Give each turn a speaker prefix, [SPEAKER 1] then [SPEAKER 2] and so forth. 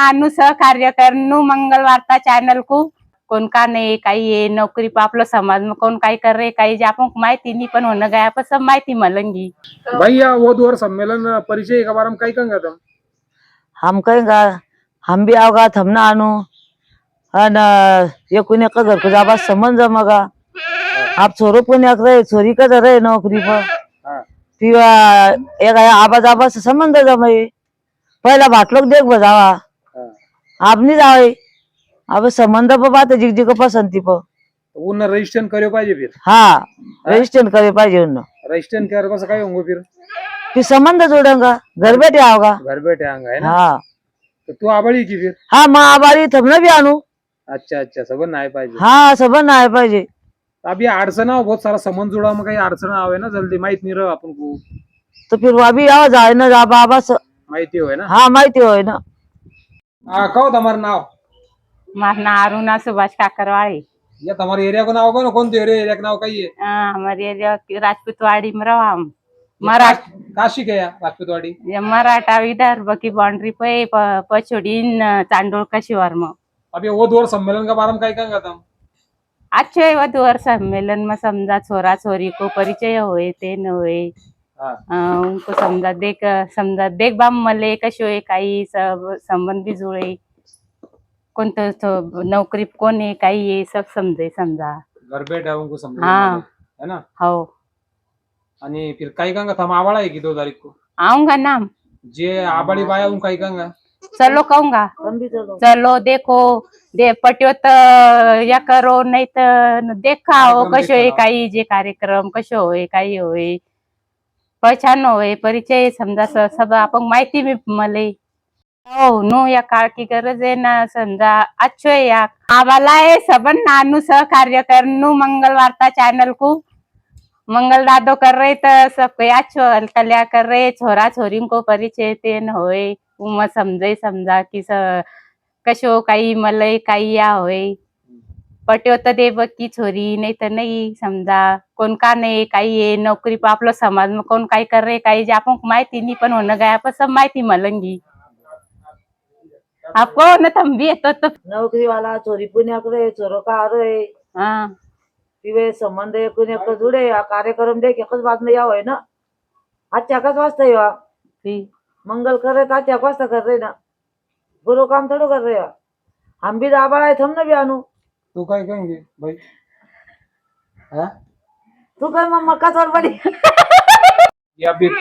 [SPEAKER 1] नानू सहकार्य करनू मंगल वार्ता चैनल को कौन का नहीं कहीं ये नौकरी पर आप लोग समाज में कौन काई कर रहे कहीं जापों माहिती नहीं पण होने गया पर सब माहिती मिलेंगी।
[SPEAKER 2] भैया वो द्वार सम्मेलन परिचय के बारे में कहीं कहंगा तुम?
[SPEAKER 3] हम कहेंगा हम भी आओगा हम ना आनू ये कुने का घर को जाबा समन जमगा आप छोरो कुने रहे छोरी का रहे नौकरी पर तिवा एक आबा जाबा से संबंध जमाई पहला भाट लोग देख बजावा आप नहीं जावे अब संबंध पर बात जिग जिग पसंती पर
[SPEAKER 2] उन्हें रजिस्ट्रेशन करे पाहिजे फिर।
[SPEAKER 3] हाँ रजिस्ट्रेशन करे पाहिजे उन्हें
[SPEAKER 2] रजिस्ट्रेशन करे बस काय होंगे
[SPEAKER 3] फिर संबंध जोड़ेगा घर बैठे आओगा
[SPEAKER 2] घर बैठे आएंगे है ना।
[SPEAKER 3] हाँ
[SPEAKER 2] तो तू आबाड़ी की फिर?
[SPEAKER 3] हाँ माँ आबारी थमने भी आनू।
[SPEAKER 2] अच्छा अच्छा सबन आए पाहिजे।
[SPEAKER 3] हाँ सबन आए पाहिजे।
[SPEAKER 2] अभी अड़चन आओ बहुत सारा संबंध जुड़ा में कहीं अड़चन आवे ना जल्दी माहित नहीं रहा अपन को
[SPEAKER 3] तो फिर वो अभी आओ जाए ना जा बाबा
[SPEAKER 2] माहिती हो ना।
[SPEAKER 3] हाँ माहिती हो ना।
[SPEAKER 2] कहो तुम्हारा नाम?
[SPEAKER 1] मार ना अरुणा सुभाष काकरवाड़ी।
[SPEAKER 2] या तुम्हारे एरिया को नाम कौन कौन एरिया का नाम कही है?
[SPEAKER 1] हमारे एरिया राजपूतवाड़ी में रहा हम
[SPEAKER 2] काशी गया राजपूतवाड़ी
[SPEAKER 1] मराठा विदर्भ की बाउंड्री पे पछोड़ी चांडोल का शिवार में।
[SPEAKER 2] अभी वो द्वार सम्मेलन के बारे में कहीं कहंगा तुम?
[SPEAKER 1] अच्छे वधुवर सम्मेलन में समझा छोरा छोरी को परिचय होए ते न होए उनको समझा देख बाम मले कशो है काही सब संबंध भी जुड़े कौन तो नौकरी कौन है काही ये सब समझा
[SPEAKER 2] घर बैठे उनको समझा
[SPEAKER 1] हाँ
[SPEAKER 2] है ना।
[SPEAKER 1] हो
[SPEAKER 2] आणि फिर काही कहंगा था आवाड़ा है कि 2 तारीख को
[SPEAKER 1] आऊंगा नाम
[SPEAKER 2] जे आबाड़ी बाया उन काही कहंगा
[SPEAKER 1] चलो कहूंगा चलो देखो दे पट्यो या करो नाही तर देखाओ कशो आहे काही जे कार्यक्रम कशो होय काही होय पहचान होय परिचय समजा सब आपण माहिती मी मले हो नो या काळ की गरज आहे ना समजा अच्छो है या आवाला है सबन नानू सहकार्य करनू मंगल वार्ता चैनल को मंगल दादो कर रहे तो सब अच्छो कल्या कर रहे छोरा छोरी को परिचय तेन होय उम समजा कि कशो काही मलय काही या होय पट्यो तर दे की छोरी नहीं तो नहीं समझा कौन का नहीं काही ये नौकरी पर आप लोग समाज में कौन काई कर रहे काही जापों माहिती नहीं पण होने गया पर सब माहिती मिलेंगी आपको न तुम भी तो
[SPEAKER 3] नौकरी वाला छोरी पुण्य करे छोरो का रहे
[SPEAKER 1] हाँ
[SPEAKER 3] तिवे संबंध कुने को जुड़े कार्यक्रम देख एकच बात में याव है ना अच्छा कस वास्ता या मंगल करे तो अच्छा वास्ता कर रहे ना बुरो काम थोड़ा कर रहे हम भी दाबा है थमने भी आनू।
[SPEAKER 2] तू काय कहेंगे भाई? हाँ
[SPEAKER 3] तू कर मक्का छोड़ पड़ी
[SPEAKER 2] या फिर